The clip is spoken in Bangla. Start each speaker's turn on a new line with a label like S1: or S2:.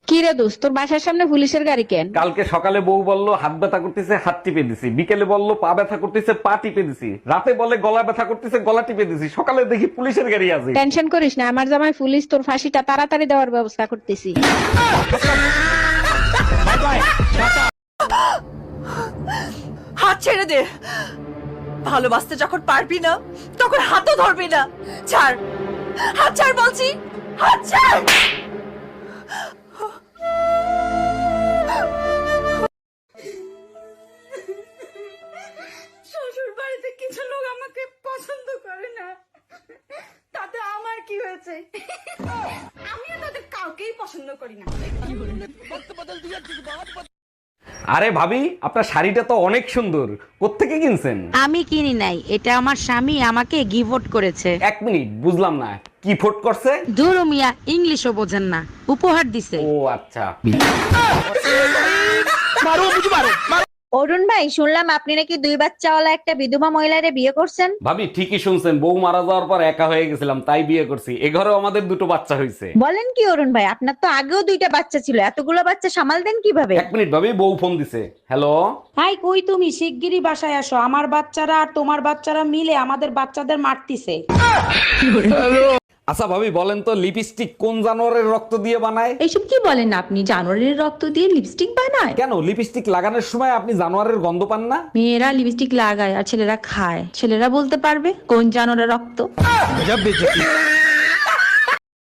S1: কি রে দোস্ত, তোর বাসার সামনে পুলিশের গাড়ি কেন?
S2: কালকে সকালে বউ বলল হাত ব্যথা করতেছে, হাত টিপে দিছি। বিকেলে বলল পা ব্যথা করতেছে, পা টিপে দিছি। রাতে বলে গলা ব্যথা করতেছে, গলা টিপে দিছি। সকালে দেখি পুলিশের গাড়ি আছে।
S1: টেনশন করিস না, আমার জামাই পুলিশ, তোর ফাঁসিটা তাড়াতাড়ি দেওয়ার ব্যবস্থা করতেছি।
S3: হাত ছেড়ে দে। ভালোবাসতে যখন পারবি না তখন হাতও ধরবি না। ছাড়, হাত ছাড় বলছি, হাত ছাড়।
S4: শ্বশুর বাড়িতে কিছু লোক আমাকে পছন্দ করে না, তাতে আমার কি হয়েছে? আমিও তাদের কাউকেই পছন্দ করি না।
S2: আরে ভাবি, আপনার শাড়িটা তো অনেক সুন্দর। কোত্থেকে কিনছেন?
S5: আমি কিনি নাই, এটা আমার স্বামী আমাকে গিফট করেছে।
S2: এক মিনিট, বুঝলাম না, কি ফোট করছে?
S5: দূর মিয়া, ইংলিশও বোঝেন না, উপহার দিছে।
S2: ও আচ্ছা।
S6: অরুণ ভাই, শুনলাম আপনি নাকি 2 বাচ্চাওয়ালা একটা বিধবা মহিলারে বিয়ে করছেন।
S2: ভাবি ঠিকই শুনছেন, বউ মারা যাওয়ার পর একা হয়ে গেছিলাম, তাই বিয়ে করছি। এ ঘরেও আমাদের 2টো বাচ্চা হয়েছে।
S6: বলেন কি অরুণ ভাই, আপনার তো আগেও 2টা বাচ্চা ছিল, এতগুলো বাচ্চা সামাল দেন কিভাবে?
S2: এক মিনিট ভাবি, বউ ফোন দিছে। হ্যালো।
S7: হাই, কই তুমি? শিগগিরই বাসায় আসো, আমার বাচ্চারা আর তোমার বাচ্চারা মিলে আমাদের বাচ্চাদের মারতিছে।
S2: আচ্ছা ভাবি, বলেন তো লিপস্টিক কোন জানোয়ারের রক্ত দিয়ে বানায়?
S8: এইসব কি বলেন আপনি? জানোয়ারের রক্ত দিয়ে লিপস্টিক বানায়?
S2: কেন, লিপস্টিক লাগানোর সময় আপনি জানোয়ারের গন্ধ পান না?
S8: মেয়েরা লিপস্টিক লাগায় আর ছেলেরা খায়, ছেলেরা বলতে পারবে কোন জানোয়ারের রক্ত।